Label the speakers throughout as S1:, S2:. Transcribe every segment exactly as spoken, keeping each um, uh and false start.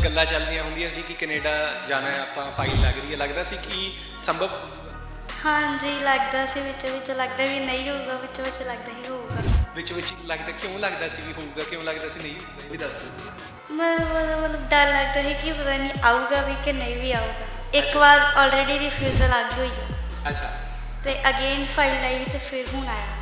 S1: ਗੱਲਾਂ ਚੱਲਦੀਆਂ ਹੁੰਦੀਆਂ ਸੀ ਕਿ ਕੈਨੇਡਾ ਜਾਣਾ ਹੈ, ਆਪਾਂ ਫਾਈਲ ਲੱਗ ਰਹੀ ਹੈ, ਲੱਗਦਾ ਸੀ ਕਿ ਸੰਭਵ?
S2: ਹਾਂਜੀ ਲੱਗਦਾ ਸੀ, ਵਿੱਚ ਵਿੱਚ ਲੱਗਦਾ ਵੀ ਨਹੀਂ ਹੋਊਗਾ, ਵਿੱਚ ਵਿੱਚ ਲੱਗਦਾ ਹੀ ਹੋਊਗਾ।
S1: ਵਿੱਚ ਵਿੱਚ ਲੱਗਦਾ ਕਿਉਂ ਲੱਗਦਾ ਸੀ ਵੀ ਹੋਊਗਾ, ਕਿਉਂ ਲੱਗਦਾ ਸੀ ਨਹੀਂ ਹੋਊਗਾ, ਇਹ ਵੀ ਦੱਸ ਦਿਓ।
S2: ਮਤਲਬ ਮਤਲਬ ਡਰ ਲੱਗਦਾ ਸੀ ਕਿ ਪਤਾ ਨਹੀਂ ਆਊਗਾ ਵੀ ਕਿ ਨਹੀਂ ਵੀ ਆਊਗਾ। ਇੱਕ ਵਾਰ ਆਲਰੇਡੀ ਰਿਫਿਊਜ਼ਲ ਆ ਗਈ ਹੋਈ ਹੈ
S1: ਅੱਛਾ,
S2: ਤੇ ਅਗੇਨ ਫਾਈਲ ਆਈ ਤੇ ਫਿਰ ਹੁਣ ਆਇਆ।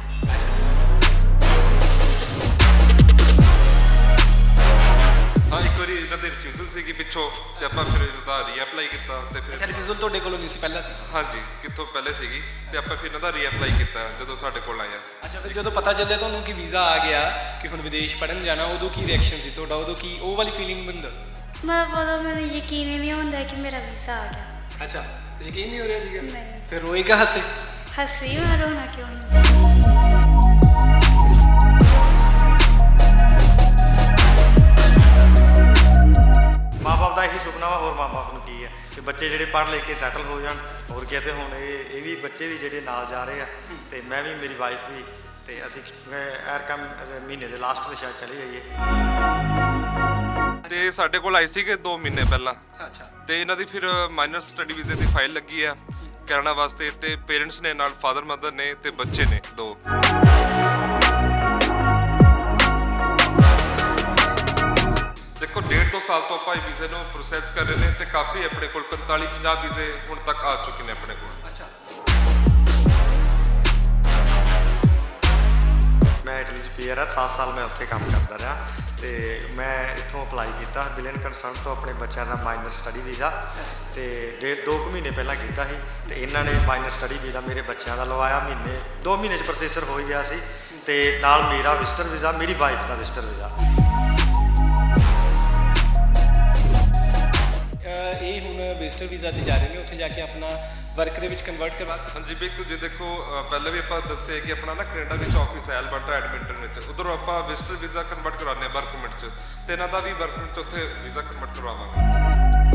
S3: ਹਾਂ, ਇੱਕ ਵਾਰੀ ਇਹਨਾਂ ਦੇ ਰਿਫਿਊਜ਼ਲ ਸੀਗੀ ਪਿੱਛੋਂ ਤੇ ਆਪਾਂ ਫਿਰ ਇਹਦਾ ਰੀਅਪਲਾਈ ਕੀਤਾ ਤੇ
S1: ਅੱਛਾ,
S3: ਫਿਰ
S1: ਰਿਫਿਊਜ਼ਲ ਤੁਹਾਡੇ ਕੋਲੋਂ ਨਹੀਂ ਸੀ ਪਹਿਲਾਂ ਸੀ?
S3: ਹਾਂਜੀ ਕਿੱਥੋਂ ਪਹਿਲੇ ਸੀਗੀ ਤੇ ਆਪਾਂ ਫਿਰ ਇਹਨਾਂ ਦਾ ਰੀਅਪਲਾਈ ਕੀਤਾ ਜਦੋਂ ਸਾਡੇ ਕੋਲ ਆਇਆ।
S1: ਅੱਛਾ, ਫਿਰ ਜਦੋਂ ਪਤਾ ਚੱਲਿਆ ਤੁਹਾਨੂੰ ਕਿ ਵੀਜ਼ਾ ਆ ਗਿਆ, ਕਿ ਹੁਣ ਵਿਦੇਸ਼ ਪੜ੍ਹਨ ਜਾਣਾ, ਉਦੋਂ ਕੀ ਰਿਐਕਸ਼ਨ ਸੀ ਤੁਹਾਡਾ? ਉਦੋਂ ਕੀ ਉਹ ਵਾਲੀ ਫੀਲਿੰਗ ਮੈਨੂੰ ਦੱਸੋ।
S2: ਮਤਲਬ ਉਦੋਂ ਮੈਨੂੰ ਯਕੀਨ ਹੀ ਨਹੀਂ ਹੁੰਦਾ ਕਿ ਮੇਰਾ ਵੀਜ਼ਾ ਆ ਗਿਆ।
S1: ਅੱਛਾ, ਯਕੀਨ ਨਹੀਂ ਹੋ ਰਿਹਾ ਸੀਗਾ?
S2: ਨਹੀਂ।
S1: ਫਿਰ ਰੋਏ ਕਾ ਹੱਸੇ?
S2: ਹੱਸੀ ਮੈਂ ਰੋਣਾ ਕਿਉਂ ਨਹੀਂ।
S4: ਮਾਂ ਬਾਪ ਦਾ ਇਹੀ ਸੁਪਨਾ ਵਾ, ਹੋਰ ਮਾਂ ਬਾਪ ਨੂੰ ਕੀ ਹੈ ਕਿ ਬੱਚੇ ਜਿਹੜੇ ਪੜ੍ਹ ਲਿਖ ਕੇ ਸੈਟਲ ਹੋ ਜਾਣ। ਹੋਰ ਕੀ ਤੇ ਹੁਣ ਇਹ ਇਹ ਵੀ ਬੱਚੇ ਵੀ ਜਿਹੜੇ ਨਾਲ ਜਾ ਰਹੇ ਆ ਤੇ ਮੈਂ ਵੀ, ਮੇਰੀ ਵਾਈਫ ਵੀ, ਤੇ ਅਸੀਂ ਐਰ ਕੰਮ ਮਹੀਨੇ ਦੇ ਲਾਸਟ ਤੇ ਸ਼ਾਇਦ ਚਲੇ ਜਾਈਏ।
S3: ਤੇ ਸਾਡੇ ਕੋਲ ਆਏ ਸੀਗੇ ਦੋ ਮਹੀਨੇ ਪਹਿਲਾਂ।
S1: ਅੱਛਾ,
S3: ਤੇ ਇਹਨਾਂ ਦੀ ਫਿਰ ਮਾਈਨਰ ਸਟੱਡੀ ਵੀਜ਼ੇ ਦੀ ਫਾਈਲ ਲੱਗੀ ਆ ਕੈਨੇਡਾ ਵਾਸਤੇ ਤੇ ਪੇਰੈਂਟਸ ਨੇ ਨਾਲ, ਫਾਦਰ ਮਦਰ ਨੇ ਤੇ ਬੱਚੇ ਨੇ ਦੋ। ਦੇਖੋ ਡੇਢ ਦੋ ਸਾਲ ਤੋਂ ਆਪਾਂ ਇਹ ਵੀਜ਼ੇ ਨੂੰ ਪ੍ਰੋਸੈਸ ਕਰ ਰਹੇ ਨੇ ਤੇ ਕਾਫੀ ਆਪਣੇ ਕੋਲ ਪੰਤਾਲੀ ਪੰਜਾਹ ਵੀਜ਼ੇ ਹੁਣ ਤੱਕ ਆ ਚੁੱਕੇ ਨੇ ਆਪਣੇ ਕੋਲ।
S1: ਅੱਛਾ,
S4: ਮੈਂ ਇਟਲੀ 'ਚ ਪੀਆਰ ਆ, ਸੱਤ ਸਾਲ ਮੈਂ ਉੱਥੇ ਕੰਮ ਕਰਦਾ ਰਿਹਾ ਤੇ ਮੈਂ ਇੱਥੋਂ ਅਪਲਾਈ ਕੀਤਾ ਬਿਲਨ ਕੰਸਰਨ ਤੋਂ ਆਪਣੇ ਬੱਚਿਆਂ ਦਾ ਮਾਈਨਰ ਸਟੱਡੀ ਵੀਜ਼ਾ ਤੇ ਡੇਢ ਦੋ ਕੁ ਮਹੀਨੇ ਪਹਿਲਾਂ ਕੀਤਾ ਸੀ ਤੇ ਇਹਨਾਂ ਨੇ ਮਾਈਨਰ ਸਟੱਡੀ ਵੀਜ਼ਾ ਮੇਰੇ ਬੱਚਿਆਂ ਦਾ ਲਵਾਇਆ। ਮਹੀਨੇ ਦੋ ਮਹੀਨੇ 'ਚ ਪ੍ਰੋਸੈਸਰ ਹੋ ਹੀ ਗਿਆ ਸੀ ਤੇ ਨਾਲ ਮੇਰਾ ਵਿਜ਼ਟਰ ਵੀਜ਼ਾ, ਮੇਰੀ ਵਾਈਫ ਦਾ ਵਿਜ਼ਟਰ ਵੀਜ਼ਾ।
S1: ਇਹ ਹੁਣ ਵਿਜ਼ਟਰ ਵੀਜ਼ਾ ਤੇ ਜਾ ਰਹੇ ਨੇ, ਉੱਥੇ ਜਾ ਕੇ ਆਪਣਾ ਵਰਕ ਦੇ ਵਿੱਚ ਕਨਵਰਟ ਕਰਵਾ।
S3: ਹਾਂਜੀ ਬਿਲਕੁਲ ਜੀ, ਦੇਖੋ ਅ, ਪਹਿਲਾਂ ਵੀ ਆਪਾਂ ਦੱਸਿਆ ਕਿ ਆਪਣਾ ਨਾ ਕੈਨੇਡਾ ਵਿੱਚ ਆਫਿਸ ਹੈ ਐਲਬਰਟਾ ਐਡਮਿੰਟਨ ਵਿੱਚ, ਉਧਰੋਂ ਆਪਾਂ ਵਿਜ਼ਟਰ ਵੀਜ਼ਾ ਕਨਵਰਟ ਕਰਾਉਂਦੇ ਹਾਂ ਵਰਕ ਪਰਮਿਟ 'ਚ ਤੇ ਇਹਨਾਂ ਦਾ ਵੀ ਵਰਕ ਪਰਮਿਟ 'ਚ ਉੱਥੇ ਵੀਜ਼ਾ ਕਨਵਰਟ ਕਰਵਾਵਾਂਗੇ।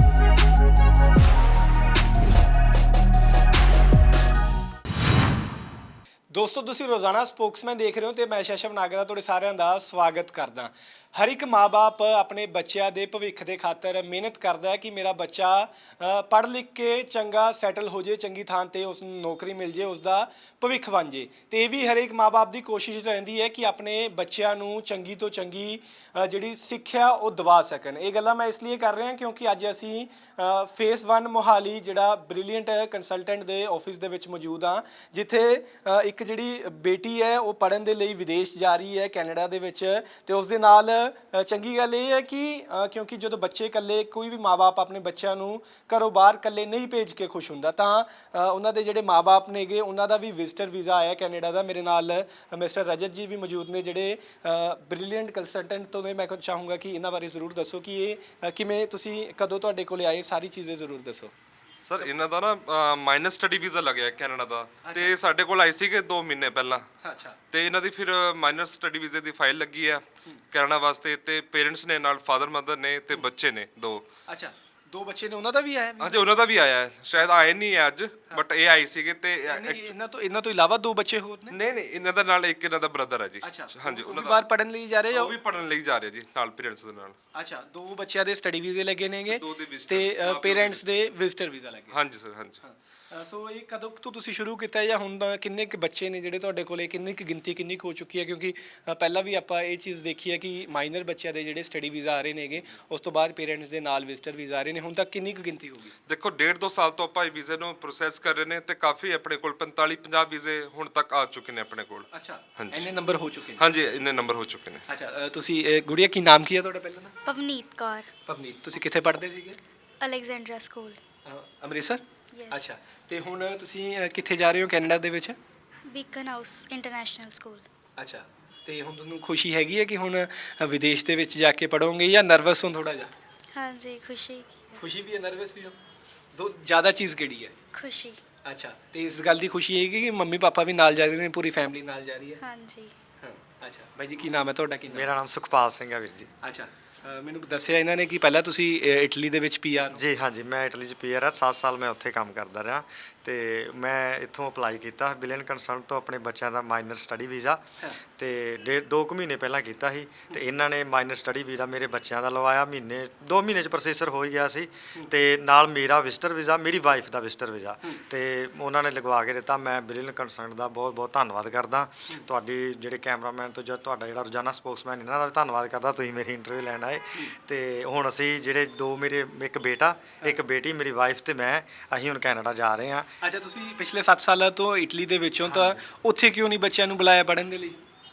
S1: ਦੋਸਤੋ, ਤੁਸੀਂ ਰੋਜ਼ਾਨਾ ਸਪੋਕਸਮੈਨ ਦੇਖ ਰਹੇ ਹੋ ਤੇ ਮੈਂ ਸ਼ਸ਼ਵ ਨਾਗਰਾ ਤੁਹਾਡੇ ਸਾਰਿਆਂ ਦਾ ਸਵਾਗਤ ਕਰਦਾ। ਹਰ ਇੱਕ ਮਾਂ-ਬਾਪ ਆਪਣੇ ਬੱਚਿਆਂ ਦੇ ਭਵਿੱਖ ਦੇ ਖਾਤਰ ਮਿਹਨਤ ਕਰਦਾ ਹੈ ਕਿ ਮੇਰਾ ਬੱਚਾ ਪੜ੍ਹ ਲਿਖ ਕੇ ਚੰਗਾ ਸੈਟਲ ਹੋ ਜੇ, ਚੰਗੀ ਥਾਂ ਤੇ ਉਸ ਨੂੰ ਨੌਕਰੀ ਮਿਲ ਜੇ, ਉਸ ਦਾ ਭਵਿੱਖ ਬਣ ਜੇ। ਤੇ ਇਹ ਵੀ ਹਰ ਇੱਕ ਮਾਂ-ਬਾਪ ਦੀ ਕੋਸ਼ਿਸ਼ ਰਹਿੰਦੀ ਹੈ ਕਿ ਆਪਣੇ ਬੱਚਿਆਂ ਨੂੰ ਚੰਗੀ ਤੋਂ ਚੰਗੀ ਜਿਹੜੀ ਸਿੱਖਿਆ ਉਹ ਦਿਵਾ ਸਕਣ। ਇਹ ਗੱਲਾਂ ਮੈਂ ਇਸ ਲਈ ਕਰ ਰਿਹਾ ਕਿਉਂਕਿ ਅੱਜ ਅਸੀਂ ਫੇਸ ਵਨ ਮੋਹਾਲੀ ਜਿਹੜਾ ਬ੍ਰਿਲੀਅੰਟ ਕੰਸਲਟੈਂਟ ਦੇ ਆਫਿਸ ਦੇ ਵਿੱਚ ਮੌਜੂਦ ਹਾਂ, ਜਿੱਥੇ ਇੱਕ ਜਿਹੜੀ ਬੇਟੀ ਹੈ ਉਹ ਪੜ੍ਹਨ ਦੇ ਲਈ ਵਿਦੇਸ਼ ਜਾ ਰਹੀ ਹੈ ਕੈਨੇਡਾ ਦੇ ਵਿੱਚ। ਤੇ ਉਸ ਦੇ ਨਾਲ ਚੰਗੀ ਗੱਲ ਇਹ ਹੈ ਕਿ ਕਿਉਂਕਿ ਜਦੋਂ ਬੱਚੇ ਇਕੱਲੇ, ਕੋਈ ਵੀ ਮਾਂ-ਬਾਪ ਆਪਣੇ ਬੱਚਿਆਂ ਨੂੰ ਘਰੋਂ ਬਾਹਰ ਇਕੱਲੇ ਨਹੀਂ ਭੇਜ ਕੇ ਖੁਸ਼ ਹੁੰਦਾ, ਤਾਂ ਉਹਨਾਂ ਦੇ ਜਿਹੜੇ ਮਾਂ-ਬਾਪ ਨੇਗੇ ਉਹਨਾਂ ਦਾ ਵੀ ਵਿਜ਼ਟਰ ਵੀਜ਼ਾ ਆਇਆ ਕੈਨੇਡਾ ਦਾ। ਮੇਰੇ ਨਾਲ ਮਿਸਟਰ ਰਜਤ ਜੀ ਵੀ ਮੌਜੂਦ ਨੇ ਜਿਹੜੇ ਬ੍ਰਿਲੀਅੰਟ ਕੰਸਲਟੈਂਟ ਤੋਂ ਨੇ। ਮੈਂ ਚਾਹੂੰਗਾ ਕਿ ਇਹਨਾਂ ਬਾਰੇ ਜ਼ਰੂਰ ਦੱਸੋ ਕਿ ਇਹ ਕਿਵੇਂ, ਤੁਸੀਂ ਕਦੋਂ ਤੁਹਾਡੇ ਕੋਲ ਆਏ, ਸਾਰੀ ਚੀਜ਼ਾਂ ਜ਼ਰੂਰ ਦੱਸੋ।
S3: ਸਰ ਇਹਨਾਂ ਦਾ ਨਾ ਮਾਈਨਰ ਸਟੱਡੀ ਵੀਜ਼ਾ ਲੱਗਿਆ ਕੈਨੇਡਾ ਦਾ ਤੇ ਸਾਡੇ ਕੋਲ ਆਏ ਸੀਗੇ ਦੋ ਮਹੀਨੇ ਪਹਿਲਾਂ।
S1: ਅੱਛਾ,
S3: ਤੇ ਇਹਨਾਂ ਦੀ ਫਿਰ ਮਾਈਨਰ ਸਟੱਡੀ ਵੀਜ਼ੇ ਦੀ ਫਾਈਲ ਲੱਗੀ ਆ ਕੈਨੇਡਾ ਵਾਸਤੇ ਤੇ ਪੇਰੈਂਟਸ ਨੇ ਨਾਲ, ਫਾਦਰ ਮਦਰ ਨੇ ਤੇ ਬੱਚੇ ਨੇ ਦੋ।
S1: ਅੱਛਾ, ਦੋ ਬੱਚੇ ਨੇ, ਉਹਨਾਂ ਦਾ ਵੀ ਆਇਆ?
S3: ਹਾਂਜੀ ਉਹਨਾਂ ਦਾ ਵੀ ਆਇਆ ਹੈ, ਸ਼ਾਇਦ ਆਏ ਨਹੀਂ ਹੈ ਅੱਜ, ਬਟ ਇਹ ਆਏ ਸੀਗੇ। ਤੇ
S1: ਇਹਨਾਂ ਤੋਂ ਇਹਨਾਂ ਤੋਂ ਇਲਾਵਾ ਦੋ ਬੱਚੇ ਹੋਰ ਨੇ?
S3: ਨਹੀਂ ਨਹੀਂ, ਇਹਨਾਂ ਦਾ ਨਾਲ ਇੱਕ ਇਹਨਾਂ ਦਾ ਬ੍ਰਦਰ ਹੈ ਜੀ।
S1: ਹਾਂਜੀ, ਉਹਨਾਂ ਦਾ ਬਾਹਰ ਪੜਨ ਲਈ ਜਾ ਰਹੇ ਹੋ?
S3: ਉਹ ਵੀ ਪੜਨ ਲਈ ਜਾ ਰਹੇ ਜੀ ਨਾਲ ਪੇਰੈਂਟਸ ਦੇ ਨਾਲ।
S1: ਅੱਛਾ, ਦੋ ਬੱਚਿਆਂ ਦੇ ਸਟੱਡੀ ਵੀਜ਼ੇ ਲੱਗੇ ਨੇਗੇ
S3: ਦੋ ਦੇ visitor,
S1: ਤੇ ਪੇਰੈਂਟਸ ਦੇ ਵਿਜ਼ਟਰ ਵੀਜ਼ਾ ਲੱਗੇ।
S3: ਹਾਂਜੀ ਸਰ, ਹਾਂਜੀ।
S1: ਸੋ ਇਹ ਕਦੋਂ ਤੋਂ ਤੁਸੀਂ ਸ਼ੁਰੂ ਕੀਤਾ ਜਾਂ ਹੁਣ ਦਾ ਕਿੰਨੇ ਕੁ ਬੱਚੇ ਨੇ ਜਿਹੜੇ ਤੁਹਾਡੇ ਕੋਲੇ, ਕਿੰਨੀ ਕੁ ਗਿਣਤੀ ਕਿੰਨੀ ਕੁ ਹੋ ਚੁੱਕੀ ਹੈ? ਕਿਉਂਕਿ ਪਹਿਲਾਂ ਵੀ ਆਪਾਂ ਇਹ ਚੀਜ਼ ਦੇਖੀ ਹੈ ਕਿ ਮਾਈਨਰ ਬੱਚਿਆਂ ਦੇ ਜਿਹੜੇ ਸਟੱਡੀ ਵੀਜ਼ਾ ਆ ਰਹੇ ਨੇਗੇ, ਉਸ ਤੋਂ ਬਾਅਦ ਪੇਰੈਂਟਸ ਦੇ ਨਾਲ ਵਿਜ਼ਟਰ ਵੀਜ਼ਾ ਆ ਰਹੇ ਨੇ। ਹੁਣ ਤੱਕ ਕਿੰਨੀ ਕੁ ਗਿਣਤੀ ਹੋ ਗਈ?
S3: ਦੇਖੋ ਡੇਢ ਦੋ ਸਾਲ ਤੋਂ ਆਪਾਂ ਇਹ ਵੀਜ਼ੇ ਨੂੰ ਪ੍ਰੋਸੈਸ ਕਰ ਰਹੇ ਨੇ ਤੇ ਕਾਫੀ ਆਪਣੇ ਕੋਲ ਪੰਤਾਲੀ ਪੰਜਾਹ ਵੀਜ਼ੇ ਹੁਣ ਤੱਕ ਆ ਚੁੱਕੇ ਨੇ ਆਪਣੇ ਕੋਲ।
S1: ਅੱਛਾ, ਇੰਨੇ ਨੰਬਰ ਹੋ ਚੁੱਕੇ ਨੇ?
S3: ਹਾਂਜੀ, ਇੰਨੇ ਨੰਬਰ ਹੋ ਚੁੱਕੇ ਨੇ।
S1: ਅੱਛਾ, ਤੁਸੀਂ ਗੁੜੀਆ ਕੀ ਨਾਮ ਕੀ ਹੈ ਤੁਹਾਡਾ ਪਹਿਲਾਂ?
S2: ਪਵਨੀਤ ਕੌਰ।
S1: ਪਵਨੀਤ, ਤੁਸੀਂ ਕਿੱਥੇ ਪੜ੍ਹਦੇ ਸੀਗੇ?
S2: Alexandra school,
S1: Amritsar.
S2: ਯੈਸ।
S1: ਅੱਛਾ, ਤੇ ਹੁਣ ਤੁਸੀਂ ਕਿੱਥੇ ਜਾ ਰਹੇ ਹੋ ਕੈਨੇਡਾ ਦੇ ਵਿੱਚ?
S2: Beacon House international school.
S1: ਅੱਛਾ, ਤੇ ਹੁਣ ਤੁਹਾਨੂੰ ਖੁਸ਼ੀ ਹੈਗੀ ਹੈ ਕਿ ਹੁਣ ਵਿਦੇਸ਼ ਦੇ ਵਿੱਚ ਜਾ ਕੇ ਪੜ੍ਹੋਗੇ ਜਾਂ ਨਰਵਸ ਹੋ ਥੋੜਾ ਜਿਹਾ?
S2: ਹਾਂਜੀ, ਖੁਸ਼ੀ।
S1: ਖੁਸ਼ੀ ਵੀ ਹੈ, ਨਰਵਸ ਵੀ ਹੋ? ਦੋ ਜ਼ਿਆਦਾ ਚੀਜ਼ ਕਿਹੜੀ ਹੈ?
S2: ਖੁਸ਼ੀ।
S1: ਅੱਛਾ, ਤੇ ਇਸ ਗੱਲ ਦੀ ਖੁਸ਼ੀ ਹੈਗੀ ਕਿ ਮੰਮੀ ਪਾਪਾ ਵੀ ਨਾਲ ਜਾ ਰਹੇ ਨੇ, ਪੂਰੀ ਫੈਮਿਲੀ ਨਾਲ ਜਾ ਰਹੀ ਹੈ?
S2: ਹਾਂਜੀ।
S1: ਹਾਂ, ਅੱਛਾ ਬਾਈ ਜੀ, ਕੀ ਨਾਮ ਹੈ ਤੁਹਾਡਾ? ਕੀ ਨਾਮ?
S4: ਮੇਰਾ ਨਾਮ ਸੁਖਪਾਲ ਸਿੰਘ ਹੈ ਵੀਰ ਜੀ।
S1: ਅੱਛਾ, ਮੈਨੂੰ ਦੱਸਿਆ ਇਹਨਾਂ ਨੇ ਕਿ ਪਹਿਲਾਂ ਤੁਸੀਂ ਇਟਲੀ ਦੇ ਵਿੱਚ ਪੀਆਰ?
S4: ਜੀ ਹਾਂਜੀ, ਮੈਂ ਇਟਲੀ 'ਚ ਪੀਆਰ ਆ, ਸੱਤ ਸਾਲ ਮੈਂ ਉੱਥੇ ਕੰਮ ਕਰਦਾ ਰਿਹਾ ਤੇ ਮੈਂ ਇੱਥੋਂ ਅਪਲਾਈ ਕੀਤਾ ਬਿਲੀਅਨ ਕੰਸਰਨ ਤੋਂ ਆਪਣੇ ਬੱਚਿਆਂ ਦਾ ਮਾਈਨਰ ਸਟੱਡੀ ਵੀਜ਼ਾ ਤੇ ਡੇਢ ਦੋ ਕੁ ਮਹੀਨੇ ਪਹਿਲਾਂ ਕੀਤਾ ਸੀ ਤੇ ਇਹਨਾਂ ਨੇ ਮਾਈਨਰ ਸਟੱਡੀ ਵੀਜ਼ਾ ਮੇਰੇ ਬੱਚਿਆਂ ਦਾ ਲਵਾਇਆ ਮਹੀਨੇ ਦੋ ਮਹੀਨੇ ਚ ਪ੍ਰੋਸੈਸਰ ਹੋ ਹੀ ਗਿਆ ਸੀ ਤੇ ਨਾਲ ਮੇਰਾ ਵਿਜ਼ਟਰ ਵੀਜ਼ਾ ਮੇਰੀ ਵਾਈਫ ਦਾ ਵਿਜ਼ਟਰ ਵੀਜ਼ਾ ਤੇ ਉਹਨਾਂ ਨੇ ਲਗਵਾ ਕੇ ਦਿੱਤਾ। ਮੈਂ ਬਿਲੀਅਨ ਕੰਸਰਨ ਦਾ ਬਹੁਤ ਬਹੁਤ ਧੰਨਵਾਦ ਕਰਦਾ ਤੁਹਾਡੀ ਜਿਹੜੇ ਕੈਮਰਾਮੈਨ ਤੋਂ ਜਾਂ ਤੁਹਾਡਾ ਜਿਹੜਾ ਰੋਜ਼ਾਨਾ ਸਪੋਕਸਮੈਨ ਇਹਨਾਂ ਦਾ ਵੀ ਧੰਨਵਾਦ ਕਰਦਾ ਤੁਸੀਂ ਮੇਰੀ ਇੰਟਰਵਿਊ ਲੈਣ ਆਏ ਤੇ ਹੁਣ ਅਸੀਂ ਜਿਹੜੇ ਦੋ ਮੇਰੇ ਇੱਕ ਬੇਟਾ ਇੱਕ ਬੇਟੀ ਮੇਰੀ ਵਾਈਫ ਤੇ ਮੈਂ ਅਸੀਂ ਹੁਣ ਕੈਨੇਡਾ ਜਾ ਰਹੇ ਹਾਂ।
S1: ਅੱਛਾ, ਤੁਸੀਂ ਪਿਛਲੇ ਸੱਤ ਸਾਲਾਂ ਤੋਂ ਇਟਲੀ ਦੇ ਵਿੱਚੋਂ ਤਾਂ ਉੱਥੇ ਕਿਉਂ ਨਹੀਂ ਬੱਚਿਆਂ ਨੂੰ ਬੁਲਾਇਆ ਪੜ੍ਹਨ ਦੇ ਲਈ?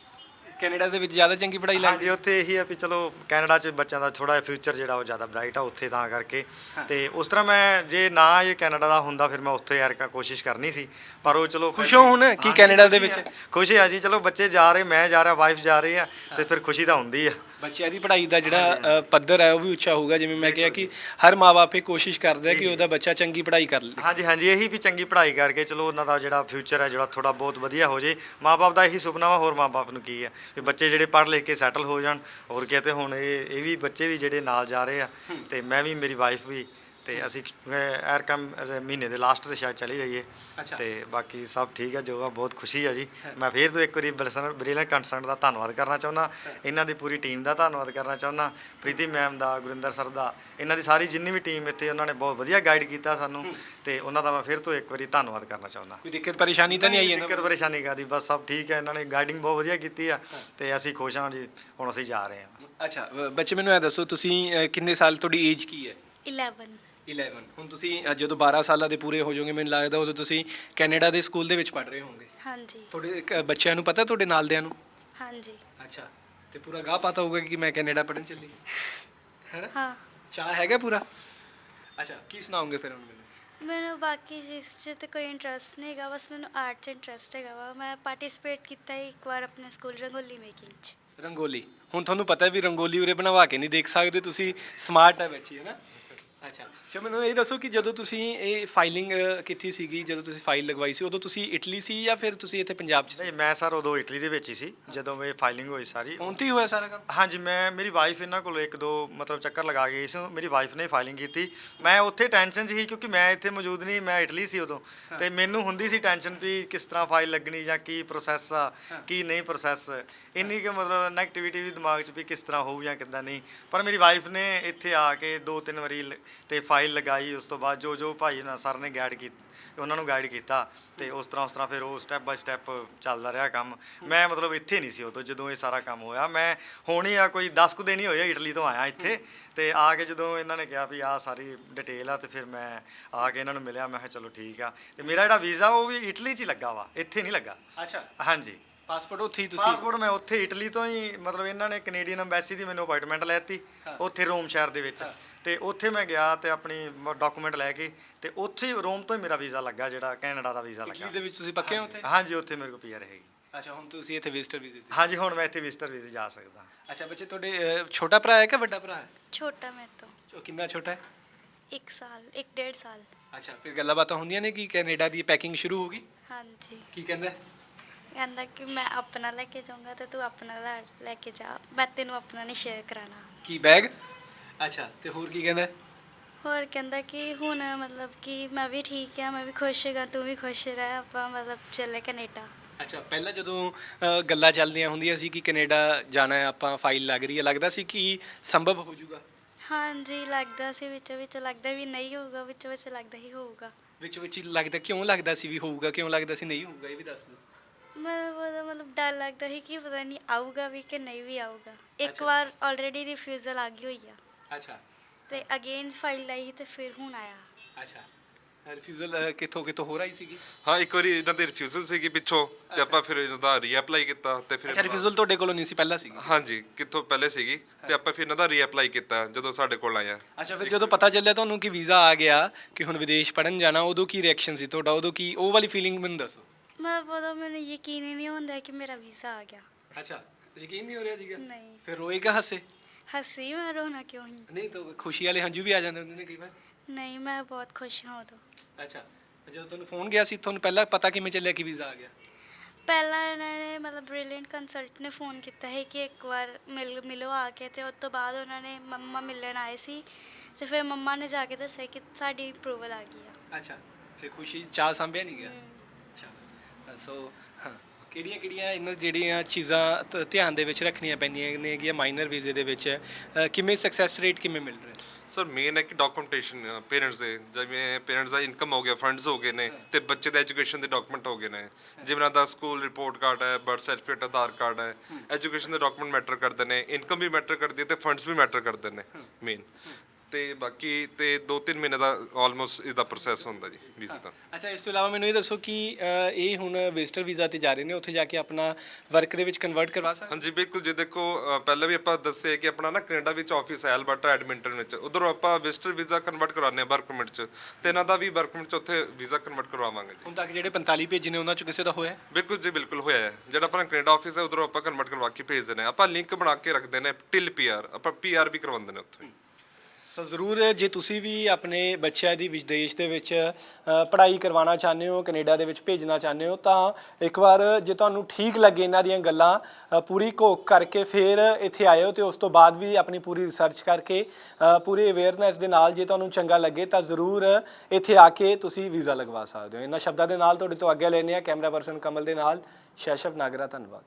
S1: ਕੈਨੇਡਾ ਦੇ ਵਿੱਚ ਜ਼ਿਆਦਾ ਚੰਗੀ ਪੜ੍ਹਾਈ ਲੱਗਦੀ?
S4: ਹਾਂਜੀ, ਉੱਥੇ ਇਹੀ ਆ ਵੀ ਚਲੋ ਕੈਨੇਡਾ 'ਚ ਬੱਚਿਆਂ ਦਾ ਥੋੜਾ ਜਿਹਾ ਫਿਊਚਰ ਜਿਹੜਾ ਉਹ ਜ਼ਿਆਦਾ ਬ੍ਰਾਈਟ ਆ ਉੱਥੇ ਤਾਂ ਕਰਕੇ ਤੇ ਉਸ ਤਰ੍ਹਾਂ ਮੈਂ ਜੇ ਨਾ ਇਹ ਕੈਨੇਡਾ ਦਾ ਹੁੰਦਾ ਫਿਰ ਮੈਂ ਉੱਥੇ ਯਾਰ ਕੋਸ਼ਿਸ਼ ਕਰਨੀ ਸੀ ਪਰ ਉਹ ਚਲੋ
S1: ਖੁਸ਼ ਹੋ ਹੁਣ ਕਿ ਕੈਨੇਡਾ ਦੇ ਵਿੱਚ?
S4: ਖੁਸ਼ੀ ਆ ਜੀ, ਚਲੋ ਬੱਚੇ ਜਾ ਰਹੇ ਮੈਂ ਜਾ ਰਿਹਾ ਵਾਈਫ ਜਾ ਰਹੀ ਆ ਤੇ ਫਿਰ ਖੁਸ਼ੀ ਤਾਂ ਹੁੰਦੀ ਆ।
S1: ਬੱਚਿਆਂ ਦੀ ਪੜ੍ਹਾਈ ਦਾ ਜਿਹੜਾ ਅ, ਪੱਧਰ ਹੈ ਉਹ ਵੀ ਉੱਚਾ ਹੋਊਗਾ। ਜਿਵੇਂ ਮੈਂ ਕਿਹਾ ਕਿ ਹਰ ਮਾਂ-ਬਾਪ ਇਹ ਕੋਸ਼ਿਸ਼ ਕਰਦਾ ਹੈ ਕਿ ਉਹਦਾ ਬੱਚਾ ਚੰਗੀ ਪੜ੍ਹਾਈ ਕਰ ਲੇ।
S4: ਹਾਂਜੀ ਹਾਂਜੀ, ਇਹੀ ਵੀ ਚੰਗੀ ਪੜ੍ਹਾਈ ਕਰਕੇ ਚਲੋ ਉਹਨਾਂ ਦਾ ਜਿਹੜਾ ਫਿਊਚਰ ਹੈ ਜਿਹੜਾ ਥੋੜਾ ਬਹੁਤ ਵਧੀਆ ਹੋ ਜੇ। ਮਾਂ-ਬਾਪ ਦਾ ਇਹੀ ਸੁਪਨਾ ਵਾ, ਹੋਰ ਮਾਂ-ਬਾਪ ਨੂੰ ਕੀ ਹੈ ਵੀ ਬੱਚੇ ਜਿਹੜੇ ਪੜ੍ਹ ਲਿਖ ਕੇ ਸੈਟਲ ਹੋ ਜਾਣ। ਹੋਰ ਕਿਤੇ ਹੁਣ ਇਹ ਇਹ ਵੀ ਬੱਚੇ ਵੀ ਜਿਹੜੇ ਨਾਲ ਜਾ ਰਹੇ ਆ ਤੇ ਮੈਂ ਵੀ ਮੇਰੀ ਵਾਈਫ ਵੀ ਤੇ ਅਸੀਂ ਐਰ ਕੰਮ ਮਹੀਨੇ ਦੇ ਲਾਸਟ ਤੇ ਸ਼ਾਇਦ ਚਲੀ ਜਾਈਏ ਤੇ ਬਾਕੀ ਸਭ ਠੀਕ ਹੈ ਜੋ ਆ। ਬਹੁਤ ਖੁਸ਼ੀ ਹੈ ਜੀ। ਮੈਂ ਫਿਰ ਤੋਂ ਇੱਕ ਵਾਰੀ ਬ੍ਰਿਲੀਅੰਟ ਕੰਸਰਨ ਦਾ ਧੰਨਵਾਦ ਕਰਨਾ ਚਾਹੁੰਦਾ, ਇਹਨਾਂ ਦੀ ਪੂਰੀ ਟੀਮ ਦਾ ਧੰਨਵਾਦ ਕਰਨਾ ਚਾਹੁੰਦਾ, ਪ੍ਰੀਤੀ ਮੈਮ ਦਾ, ਗੁਰਿੰਦਰ ਸਰ ਦਾ, ਇਹਨਾਂ ਦੀ ਸਾਰੀ ਜਿੰਨੀ ਵੀ ਟੀਮ ਇੱਥੇ ਉਹਨਾਂ ਨੇ ਬਹੁਤ ਵਧੀਆ ਗਾਈਡ ਕੀਤਾ ਸਾਨੂੰ ਤੇ ਉਹਨਾਂ ਦਾ ਮੈਂ ਫਿਰ ਤੋਂ ਇੱਕ ਵਾਰੀ ਧੰਨਵਾਦ ਕਰਨਾ ਚਾਹੁੰਦਾ।
S1: ਕੋਈ ਦਿੱਕਤ ਪਰੇਸ਼ਾਨੀ ਤਾਂ ਨਹੀਂ ਆਈ ਇਹਨਾਂ?
S4: ਦਿੱਕਤ ਪਰੇਸ਼ਾਨੀ ਕਾਹਦੀ, ਬਸ ਸਭ ਠੀਕ ਹੈ। ਇਹਨਾਂ ਨੇ ਗਾਈਡਿੰਗ ਬਹੁਤ ਵਧੀਆ ਕੀਤੀ ਆ ਤੇ ਅਸੀਂ ਖੁਸ਼ ਹਾਂ ਜੀ। ਹੁਣ ਅਸੀਂ ਜਾ ਰਹੇ ਹਾਂ।
S1: ਅੱਛਾ, ਅ, ਬੱਚੇ ਮੈਨੂੰ ਇਹ ਦੱਸੋ ਤੁਸੀਂ ਅ, ਕਿੰਨੇ ਸਾਲ ਤੁਹਾਡੀ ਏਜ ਕੀ ਹੈ?
S2: ਇਲੈਵਨ।
S1: ਇਲੈਵਨ। ਹੁਣ ਤੁਸੀਂ ਅ, ਜਦੋਂ ਬਾਰਾਂ ਸਾਲਾਂ ਦੇ ਪੂਰੇ ਹੋ ਜਾਓਗੇ ਮੈਨੂੰ ਲੱਗਦਾ ਉਦੋਂ ਤੁਸੀਂ ਕੈਨੇਡਾ ਦੇ ਸਕੂਲ ਦੇ ਵਿੱਚ ਪੜ੍ਹ ਰਹੇ ਹੋਵੋਗੇ।
S2: ਹਾਂਜੀ
S1: ਤੁਹਾਡੇ ਕ- ਬੱਚਿਆਂ ਨੂੰ ਪਤਾ ਤੁਹਾਡੇ ਨਾਲ ਦਿਆਂ ਨੂੰ?
S2: ਹਾਂਜੀ
S1: ਅੱਛਾ, ਤੇ ਪੂਰਾ ਗਾਹ ਪਤਾ ਹੋਊਗਾ ਕਿ ਮੈਂ ਕੈਨੇਡਾ ਪੜ੍ਹਨ ਚੱਲੀ ਹੈ ਨਾ?
S2: ਹਾਂ।
S1: ਚਾਹ ਹੈਗਾ ਪੂਰਾ? ਅੱਛਾ, ਕੀ ਸੁਣਾਓਗੇ ਫਿਰ ਹੁਣ ਮੈਨੂੰ?
S2: ਮੈਨੂੰ ਬਾਕੀ ਜਿਸ 'ਚ ਤਾਂ ਕੋਈ ਇੰਟਰਸਟ ਨਹੀਂ ਹੈਗਾ, ਬਸ ਮੈਨੂੰ ਆਰਟ 'ਚ ਇੰਟਰਸਟ ਹੈਗਾ ਵਾ। ਮੈਂ ਪਾਰਟਿਸਿਪੇਟ ਕੀਤਾ ਸੀ ਇੱਕ ਵਾਰ ਆਪਣੇ ਸਕੂਲ ਰੰਗੋਲੀ ਮੇਕਿੰਗ 'ਚ।
S1: ਰੰਗੋਲੀ। ਹੁਣ ਤੁਹਾਨੂੰ ਪਤਾ ਵੀ ਰੰਗੋਲੀ ਉਰੇ ਬਣਵਾ ਕੇ ਨਹੀਂ ਦੇਖ ਸਕਦੇ, ਤੁਸੀਂ ਸਮਾਰਟ ਹੈ ਬੱਚੀ ਹੈ ਨਾ? ਅੱਛਾ, ਚਲੋ ਮੈਨੂੰ ਇਹ ਦੱਸੋ ਕਿ ਜਦੋਂ ਤੁਸੀਂ ਇਹ ਫਾਈਲਿੰਗ ਕੀਤੀ ਸੀਗੀ, ਜਦੋਂ ਤੁਸੀਂ ਫਾਈਲ ਲਗਵਾਈ ਸੀ ਉਦੋਂ ਤੁਸੀਂ ਇਟਲੀ ਸੀ ਜਾਂ ਫਿਰ ਤੁਸੀਂ ਇੱਥੇ ਪੰਜਾਬ 'ਚ ਸੀ?
S4: ਨਹੀਂ, ਮੈਂ ਸਰ ਉਦੋਂ ਇਟਲੀ ਦੇ ਵਿੱਚ ਹੀ ਸੀ ਜਦੋਂ ਇਹ ਫਾਈਲਿੰਗ ਹੋਈ ਸਾਰੀ।
S1: ਹੁਣ ਤੇ ਹੀ ਹੋਇਆ ਸਾਰਾ ਕੰਮ?
S4: ਹਾਂਜੀ, ਮੈਂ ਮੇਰੀ ਵਾਈਫ ਇਹਨਾਂ ਕੋਲ ਇੱਕ ਦੋ ਮਤਲਬ ਚੱਕਰ ਲਗਾ ਕੇ ਗਈ ਸੀ। ਮੇਰੀ ਵਾਈਫ ਨੇ ਫਾਈਲਿੰਗ ਕੀਤੀ। ਮੈਂ ਉੱਥੇ ਟੈਨਸ਼ਨ 'ਚ ਸੀ ਕਿਉਂਕਿ ਮੈਂ ਇੱਥੇ ਮੌਜੂਦ ਨਹੀਂ, ਮੈਂ ਇਟਲੀ ਸੀ ਉਦੋਂ ਤੇ ਮੈਨੂੰ ਹੁੰਦੀ ਸੀ ਟੈਨਸ਼ਨ ਵੀ ਕਿਸ ਤਰ੍ਹਾਂ ਫਾਈਲ ਲੱਗਣੀ ਜਾਂ ਕੀ ਪ੍ਰੋਸੈਸ ਆ ਕੀ ਨਹੀਂ ਪ੍ਰੋਸੈਸ। ਇੰਨੀ ਕਿ ਮਤਲਬ ਨੈਗੇਟਿਵਿਟੀ ਵੀ ਦਿਮਾਗ 'ਚ ਵੀ ਕਿਸ ਤਰ੍ਹਾਂ ਹੋਊ ਜਾਂ ਕਿੱਦਾਂ ਨਹੀਂ। ਪਰ ਮੇਰੀ ਵਾਈਫ ਨੇ ਇੱਥੇ ਆ ਕੇ ਦੋ ਤਿੰਨ ਵਾਰੀ ਲ- ਤੇ ਫਾਈਲ ਲਗਾਈ। ਉਸ ਤੋਂ ਬਾਅਦ ਜੋ ਜੋ ਭਾਈ ਨਾ ਸਰ ਨੇ ਗਾਈਡ ਕੀਤੀ ਉਹਨਾਂ ਨੂੰ ਗਾਈਡ ਕੀਤਾ ਤੇ ਉਸ ਤਰ੍ਹਾਂ ਉਸ ਤਰ੍ਹਾਂ ਫਿਰ ਉਹ ਸਟੈਪ ਬਾਈ ਸਟੈਪ ਚੱਲਦਾ ਰਿਹਾ ਕੰਮ। ਮੈਂ ਮਤਲਬ ਇੱਥੇ ਨਹੀਂ ਸੀ ਉਦੋਂ ਜਦੋਂ ਇਹ ਸਾਰਾ ਕੰਮ ਹੋਇਆ। ਮੈਂ ਹੁਣ ਹੀ ਆ ਕੋਈ ਦਸ ਕੁ ਦਿਨ ਹੀ ਹੋਏ ਇਟਲੀ ਤੋਂ ਆਇਆ ਇੱਥੇ ਤੇ ਆ ਕੇ ਜਦੋਂ ਇਹਨਾਂ ਨੇ ਕਿਹਾ ਵੀ ਆਹ ਸਾਰੀ ਡਿਟੇਲ ਆ ਤੇ ਫਿਰ ਮੈਂ ਆ ਕੇ ਇਹਨਾਂ ਨੂੰ ਮਿਲਿਆ। ਮੈਂ ਕਿਹਾ ਚਲੋ ਠੀਕ ਆ ਤੇ ਮੇਰਾ ਜਿਹੜਾ ਵੀਜ਼ਾ ਉਹ ਵੀ ਇਟਲੀ 'ਚ ਹੀ ਲੱਗਾ ਵਾ, ਇੱਥੇ ਨਹੀਂ ਲੱਗਾ।
S1: ਅੱਛਾ,
S4: ਹਾਂਜੀ,
S1: ਪਾਸਪੋਰਟ ਉੱਥੇ ਹੀ ਤੁਸੀਂ?
S4: ਪਾਸਪੋਰਟ ਮੈਂ ਉੱਥੇ ਇਟਲੀ ਤੋਂ ਹੀ ਮਤਲਬ ਇਹਨਾਂ ਨੇ ਕੈਨੇਡੀਅਨ ਐਮਬੈਸੀ ਦੀ ਮੈਨੂੰ ਅਪਾਇੰਟਮੈਂਟ ਲੈ ਦਿੱਤੀ ਉੱਥੇ ਰੋਮ ਸ਼ਹਿਰ ਦੇ ਵਿੱਚ ਤੇ ਉੱਥੇ ਮੈਂ ਗਿਆ ਤੇ ਆਪਣੀ ਡਾਕੂਮੈਂਟ ਲੈ ਕੇ ਤੇ ਉੱਥੇ ਹੀ ਰੋਮ ਤੋਂ ਹੀ ਮੇਰਾ ਵੀਜ਼ਾ ਲੱਗਾ ਜਿਹੜਾ ਕੈਨੇਡਾ ਦਾ ਵੀਜ਼ਾ
S1: ਇਟਲੀ
S4: ਲੱਗਾ।
S1: ਦੇ ਵਿੱਚ ਤੁਸੀਂ ਪੱਕੇ ਹੋ ਉੱਥੇ?
S4: ਹਾਂਜੀ, ਉੱਥੇ ਮੇਰੇ ਕੋਲ ਪੀਆਰ ਹੈਗੀ।
S1: ਅੱਛਾ, ਹੁਣ ਤੁਸੀਂ ਇੱਥੇ ਵਿਜ਼ਟਰ ਵੀਜ਼ੇ ਤੇ?
S4: ਹਾਂਜੀ, ਹੁਣ ਮੈਂ ਇੱਥੇ ਵਿਜ਼ਟਰ ਵੀਜ਼ੇ ਜਾ ਸਕਦਾ।
S1: ਅੱਛਾ, ਬੱਚੇ ਤੁਹਾਡੇ ਅ, ਛੋਟਾ ਭਰਾ ਹੈ ਕਿ ਵੱਡਾ ਭਰਾ ਹੈ?
S2: ਛੋਟਾ ਮੇਰੇ ਤੋਂ
S1: ਉਹ ਕਿੰਨਾ ਛੋਟਾ ਹੈ?
S2: ਇੱਕ ਸਾਲ ਇੱਕ ਡੇਢ ਸਾਲ।
S1: ਅੱਛਾ, ਫਿਰ ਗੱਲਾਂ ਬਾਤਾਂ ਹੁੰਦੀਆਂ ਨੇ ਕਿ ਕੈਨੇਡਾ ਦੀ ਪੈਕਿੰਗ ਸ਼ੁਰੂ ਹੋ ਗਈ?
S2: ਹਾਂਜੀ,
S1: ਕੀ ਕਹਿੰਦਾ ਹੈ?
S2: ਕਹਿੰਦਾ ਕਿ ਮੈਂ ਆਪਣਾ ਲੈ ਕੇ ਜਾਊਂਗਾ ਤੇ ਤੂੰ ਆਪਣਾ ਲੈ- ਲੈ ਕੇ ਜਾ, ਮੈਂ ਤੈਨੂੰ ਆਪਣਾ ਨਹੀਂ ਸ਼ੇਅਰ ਕਰਾਣਾ।
S1: ਕੀ ਬੈਗ? ਅੱਛਾ, ਤੇ ਹੋਰ ਕੀ ਕਹਿੰਦਾ?
S2: ਹੋਰ ਕਹਿੰਦਾ ਕਿ ਹੁਣ ਮਤਲਬ ਕਿ ਮੈਂ ਵੀ ਠੀਕ ਆ, ਮੈਂ ਵੀ ਖੁਸ਼ ਹੈਗਾ, ਤੂੰ ਵੀ ਖੁਸ਼ ਰਹਿ, ਆਪਾਂ ਮਤਲਬ ਚੱਲੇ ਕੈਨੇਡਾ।
S1: ਅੱਛਾ, ਪਹਿਲਾਂ ਜਦੋਂ ਅ, ਗੱਲਾਂ ਚੱਲਦੀਆਂ ਹੁੰਦੀਆਂ ਸੀ ਕਿ ਕੈਨੇਡਾ ਜਾਣਾ ਹੈ, ਆਪਾਂ ਫਾਈਲ ਲੱਗ ਰਹੀ ਹੈ, ਲੱਗਦਾ ਸੀ ਕਿ ਸੰਭਵ ਹੋ ਜਾਊਗਾ?
S2: ਹਾਂਜੀ, ਲੱਗਦਾ ਸੀ ਵਿੱਚ ਵਿੱਚ ਲੱਗਦਾ ਵੀ ਨਹੀਂ ਹੋਊਗਾ, ਵਿੱਚ ਵਿੱਚ ਲੱਗਦਾ ਹੀ ਹੋਊਗਾ।
S1: ਵਿੱਚ ਵਿੱਚ ਹੀ ਲੱਗਦਾ? ਕਿਉਂ ਲੱਗਦਾ ਸੀ ਵੀ ਹੋਊਗਾ, ਕਿਉਂ ਲੱਗਦਾ ਸੀ ਨਹੀਂ ਹੋਊਗਾ, ਇਹ ਵੀ ਦੱਸ ਦਿਓ।
S2: ਮਤਲਬ ਉਹਦਾ ਮਤਲਬ ਡਰ ਲੱਗਦਾ ਸੀ ਕਿ ਪਤਾ ਨਹੀਂ ਆਊਗਾ ਵੀ ਕਿ ਨਹੀਂ ਵੀ ਆਊਗਾ। ਇੱਕ
S1: ਅੱਛਾ।
S2: ਵਾਰ ਆਲਰੇਡੀ ਰਿਫਿਊਜ਼ਲ ਆ ਗਈ ਹੋਈ ਆ
S1: ਅੱਛਾ
S2: ਤੇ ਅਗੇਨ ਫਾਈਲ ਲਾਈ ਤੇ ਫਿਰ ਹੁਣ ਆਇਆ।
S1: ਅੱਛਾ, ਰਿਫਿਊਜ਼ਲ ਕਿੱਥੋਂ ਕਿੱਥੋਂ ਹੋ ਰਹੀ ਸੀਗੀ?
S3: ਹਾਂ, ਇੱਕ ਵਾਰੀ ਇਹਨਾਂ ਦੀ ਰਿਫਿਊਜ਼ਲ ਸੀਗੀ ਪਿੱਛੋਂ ਤੇ ਆਪਾਂ ਫਿਰ ਇਹਨਾਂ ਦਾ ਰੀਅਪਲਾਈ ਕੀਤਾ ਤੇ ਫਿਰ
S1: ਅੱਛਾ, ਰਿਫਿਊਜ਼ਲ ਤੁਹਾਡੇ ਕੋਲੋਂ ਨਹੀਂ ਸੀ, ਪਹਿਲਾਂ ਸੀਗੀ?
S3: ਹਾਂਜੀ, ਕਿੱਥੋਂ ਪਹਿਲੇ ਸੀਗੀ ਤੇ ਆਪਾਂ ਫਿਰ ਇਹਨਾਂ ਦਾ ਰੀਅਪਲਾਈ ਕੀਤਾ ਜਦੋਂ ਸਾਡੇ ਕੋਲ ਆਇਆ।
S1: ਅੱਛਾ, ਫਿਰ ਜਦੋਂ ਪਤਾ ਚੱਲਿਆ ਤੁਹਾਨੂੰ ਕਿ ਵੀਜ਼ਾ ਆ ਗਿਆ ਕਿ ਹੁਣ ਵਿਦੇਸ਼ ਪੜਨ ਜਾਣਾ, ਉਦੋਂ ਕੀ ਰਿਐਕਸ਼ਨ ਸੀ ਤੁਹਾਡਾ? ਉਦੋਂ ਕੀ ਉਹ ਵਾਲੀ ਫੀਲਿੰਗ ਮੈਨੂੰ ਦੱਸੋ।
S2: ਮਤਲਬ ਉਦੋਂ ਮੈਨੂੰ ਯਕੀਨ ਹੀ ਨਹੀਂ ਹੁੰਦਾ ਕਿ ਮੇਰਾ ਵੀਜ਼ਾ ਆ ਗਿਆ।
S1: ਅੱਛਾ, ਯਕੀਨ ਨਹੀਂ ਹੋ ਰਿਹਾ ਸੀਗਾ?
S2: ਨਹੀਂ।
S1: ਫਿਰ ਰੋਏ ਕਿ ਹੱਸੇ?
S2: ਹੱਸੀ, ਮੈਂ ਰੋਣਾ ਕਿਉਂ ਹੀ?
S1: ਨਹੀਂ ਤਾਂ ਖੁਸ਼ੀ ਵਾਲੇ ਹੰਝੂ ਵੀ ਆ ਜਾਂਦੇ ਹੁੰਦੇ ਨੇ ਕਈ ਵਾਰ।
S2: ਨਹੀਂ, ਮੈਂ ਬਹੁਤ ਖੁਸ਼ ਹਾਂ ਉਦੋਂ।
S1: ਅੱਛਾ, ਜਦੋਂ ਤੁਹਾਨੂੰ ਫੋਨ ਗਿਆ ਸੀ ਤੁਹਾਨੂੰ ਪਹਿਲਾਂ ਪਤਾ ਕਿਵੇਂ ਚੱਲਿਆ ਕਿ ਵੀਜ਼ਾ ਆ ਗਿਆ?
S2: ਪਹਿਲਾਂ ਇਹਨਾਂ ਨੇ ਮਤਲਬ ਬ੍ਰਿਲੀਅੰਟ ਕੰਸਲਟ ਨੇ ਫੋਨ ਕੀਤਾ ਹੈ ਕਿ ਇੱਕ ਵਾਰ ਮਿਲ ਮਿਲੋ ਆ ਕੇ ਤੇ ਉਸ ਤੋਂ ਬਾਅਦ ਉਹਨਾਂ ਨੇ ਮੰਮਾ ਮਿਲਣ ਆਏ ਸੀ ਤੇ ਫਿਰ ਮੰਮਾ ਨੇ ਜਾ ਕੇ ਦੱਸਿਆ ਕਿ ਸਾਡੀ ਅਪਰੂਵਲ ਆ ਗਈ ਆ।
S1: ਅੱਛਾ, ਫਿਰ ਖੁਸ਼ੀ ਚਾਹ ਸਾਂਭਿਆ ਨਹੀਂ ਗਿਆ ਅੱਛਾ ਸੋ ਹਾਂ ਕਿਹੜੀਆਂ ਕਿਹੜੀਆਂ ਇਹਨਾਂ ਜਿਹੜੀਆਂ ਚੀਜ਼ਾਂ ਧ- ਧਿਆਨ ਦੇ ਵਿੱਚ ਰੱਖਣੀਆਂ ਪੈਂਦੀਆਂ ਨੇ ਕਿ ਮਾਈਨਰ ਵੀਜ਼ੇ ਦੇ ਵਿੱਚ ਅ, ਕਿਵੇਂ ਸਕਸੈਸ ਰੇਟ ਕਿਵੇਂ ਮਿਲ ਰਿਹਾ
S3: ਸਰ ਮੇਨ ਹੈ ਕਿ ਡਾਕੂਮੈਂਟੇਸ਼ਨ ਪੇਰੈਂਟਸ ਦੇ ਜਿਵੇਂ ਪੇਰੈਂਟਸ ਦਾ ਇਨਕਮ ਹੋ ਗਿਆ ਫੰਡਸ ਹੋ ਗਏ ਨੇ ਤੇ ਬੱਚੇ ਦੇ ਐਜੂਕੇਸ਼ਨ ਦੇ ਡਾਕੂਮੈਂਟ ਹੋ ਗਏ ਨੇ ਜਿਵੇਂ ਦਾ ਸਕੂਲ ਰਿਪੋਰਟ ਕਾਰਡ ਹੈ ਬਰਥ ਸਰਟੀਫਿਕੇਟ ਆਧਾਰ ਕਾਰਡ ਹੈ ਐਜੂਕੇਸ਼ਨ ਦੇ ਡਾਕੂਮੈਂਟ ਮੈਟਰ ਕਰਦੇ ਨੇ ਇਨਕਮ ਵੀ ਮੈਟਰ ਕਰਦੀ ਹੈ ਤੇ ਫੰਡਸ ਵੀ ਮੈਟਰ ਕਰਦੇ ਨੇ ਮੇਨ ਤੇ ਬਾਕੀ ਤੇ ਦੋ ਤਿੰਨ ਮਹੀਨੇ ਦਾ ਆਲਮੋਸਟ ਇਸ ਦਾ ਪ੍ਰੋਸੈਸ ਹੁੰਦਾ ਜੀ ਵੀਜ਼ੇ ਦਾ
S1: ਅੱਛਾ ਇਸ ਤੋਂ ਇਲਾਵਾ ਮੈਨੂੰ ਇਹ ਦੱਸੋ ਕਿ ਅ, ਇਹ ਹੁਣ ਵਿਜ਼ਟਰ ਵੀਜ਼ਾ ਤੇ ਜਾ ਰਹੇ ਨੇ ਉੱਥੇ ਜਾ ਕੇ ਆਪਣਾ ਵਰਕ ਦੇ ਵਿੱਚ ਕਨਵਰਟ ਕਰਵਾ ਸਕਦੇ
S3: ਹਾਂਜੀ ਬਿਲਕੁਲ ਜੀ ਦੇਖੋ ਅ, ਪਹਿਲਾਂ ਵੀ ਆਪਾਂ ਦੱਸੇ ਕਿ ਆਪਣਾ ਨਾ ਕੈਨੇਡਾ ਵਿੱਚ ਆਫਿਸ ਹੈ ਐਲਬਰਟਾ ਐਡਮਿੰਟਨ ਵਿੱਚ ਉਧਰੋਂ ਆਪਾਂ ਵਿਜ਼ਟਰ ਵੀਜ਼ਾ ਕਨਵਰਟ ਕਰਾਉਂਦੇ ਹਾਂ ਵਰਕ ਪਰਮਿਟ 'ਚ ਤੇ ਇਹਨਾਂ ਦਾ ਵੀ ਵਰਕ ਪਰਮਿਟ 'ਚ ਉੱਥੇ ਵੀਜ਼ਾ ਕਨਵਰਟ ਕਰਵਾਵਾਂਗੇ ਜੀ
S1: ਹੁਣ ਤੱਕ ਜਿਹੜੇ ਪੰਤਾਲੀ ਭੇਜੇ ਨੇ ਉਹਨਾਂ ਚੋਂ ਕਿਸੇ ਦਾ ਹੋਇਆ
S3: ਬਿਲਕੁਲ ਜੀ ਬਿਲਕੁਲ ਹੋਇਆ ਹੈ ਜਿਹੜਾ ਆਪਣਾ ਕੈਨੇਡਾ ਆਫਿਸ ਹੈ ਉਧਰੋਂ ਆਪਾਂ ਕਨਵਰਟ ਕਰਵਾ ਕੇ ਭੇਜ ਦਿੰਦੇ ਹਾਂ ਆਪਾਂ ਲਿੰਕ ਬਣਾ ਕੇ ਰੱਖਦੇ ਨੇ ਟਿਲ ਪੀਆਰ ਆਪਾਂ ਪੀਆਰ ਵੀ ਕਰਵਾਉਂਦੇ ਨੇ ਉੱਥੇ
S1: ਸੋ ਜ਼ਰੂਰ ਜੇ ਤੁਸੀਂ ਵੀ ਆਪਣੇ ਬੱਚਿਆਂ ਦੀ ਵਿਦੇਸ਼ ਦੇ ਵਿੱਚ ਅ, ਪੜ੍ਹਾਈ ਕਰਵਾਉਣਾ ਚਾਹੁੰਦੇ ਹੋ ਕੈਨੇਡਾ ਦੇ ਵਿੱਚ ਭੇਜਣਾ ਚਾਹੁੰਦੇ ਹੋ ਤਾਂ ਇੱਕ ਵਾਰ ਜੇ ਤੁਹਾਨੂੰ ਠੀਕ ਲੱਗੇ ਇਹਨਾਂ ਦੀਆਂ ਗੱਲਾਂ ਅ, ਪੂਰੀ ਘੋਖ ਕਰਕੇ ਫਿਰ ਇੱਥੇ ਆਇਓ ਤੇ ਉਸ ਤੋਂ ਬਾਅਦ ਵੀ ਆਪਣੀ ਪੂਰੀ ਰਿਸਰਚ ਕਰਕੇ ਅ, ਪੂਰੀ ਅਵੇਅਰਨੈਸ ਦੇ ਨਾਲ ਜੇ ਤੁਹਾਨੂੰ ਚੰਗਾ ਲੱਗੇ ਤਾਂ ਜ਼ਰੂਰ ਇੱਥੇ ਆ ਕੇ ਤੁਸੀਂ ਵੀਜ਼ਾ ਲਗਵਾ ਸਕਦੇ ਹੋ ਇਹਨਾਂ ਸ਼ਬਦਾਂ ਦੇ ਨਾਲ ਤੁਹਾਡੇ ਤੋਂ ਆਗਿਆ ਲੈਂਦੇ ਹਾਂ ਕੈਮਰਾ ਪਰਸਨ ਕਮਲ ਦੇ ਨਾਲ ਸ਼ੈਸ਼ਵ ਨਾਗਰਾ ਧੰਨਵਾਦ